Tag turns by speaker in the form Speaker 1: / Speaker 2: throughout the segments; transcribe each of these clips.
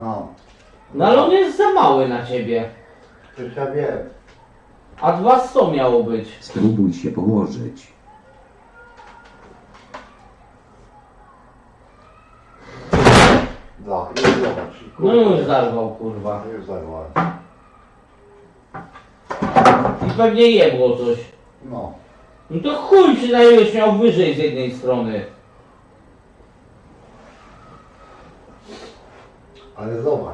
Speaker 1: No,
Speaker 2: No ale on jest za mały na ciebie.
Speaker 1: przecież ja wiem.
Speaker 2: A 200 miało być.
Speaker 3: Spróbuj się położyć.
Speaker 1: No, już zobacz.
Speaker 2: No już zarwał, kurwa.
Speaker 1: Już zarwałem.
Speaker 2: I pewnie jebło coś.
Speaker 1: No,
Speaker 2: No to chuj przynajmniej miał wyżej z jednej strony.
Speaker 1: ale zobacz.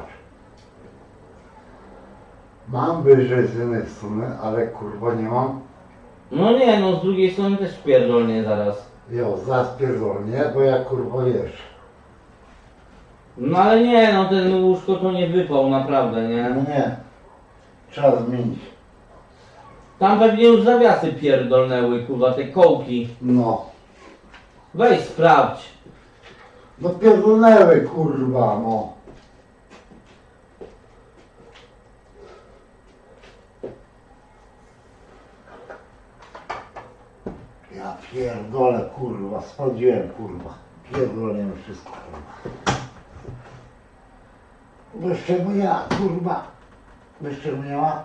Speaker 1: Mam wyżej z jednej strony, ale kurwa nie mam.
Speaker 2: No nie, no z drugiej strony też pierdolnie zaraz.
Speaker 1: Jo, zaraz pierdolnie, bo ja kurwa wiesz.
Speaker 2: No ale nie, no ten łóżko to nie wypał naprawdę,
Speaker 1: No
Speaker 2: nie?
Speaker 1: nie. Trzeba zmienić.
Speaker 2: Tam pewnie już zawiasy pierdolnęły, kurwa, te kołki.
Speaker 1: No.
Speaker 2: Weź sprawdź.
Speaker 1: No pierdolnęły kurwa, no. Ja pierdolę kurwa, sprawdziłem kurwa. Pierdolę wszystko kurwa. Bez czego ja kurwa. Bez czego nie ma?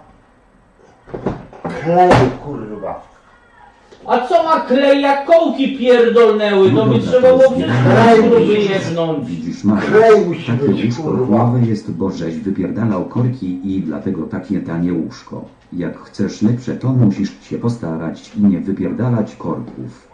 Speaker 1: Kleju kurwa.
Speaker 2: A co ma klej, jak kołki pierdolnęły? To by trzeba było wszystko gruby jednąć.
Speaker 3: Widzisz, Marek,
Speaker 1: Klej musi
Speaker 3: takie
Speaker 1: być,
Speaker 3: łóżko
Speaker 1: kurwa.
Speaker 3: nowe jest, bo żeś wypierdalał korki i dlatego takie tanie łóżko. Jak chcesz lepsze, to musisz się postarać i nie wypierdalać korków.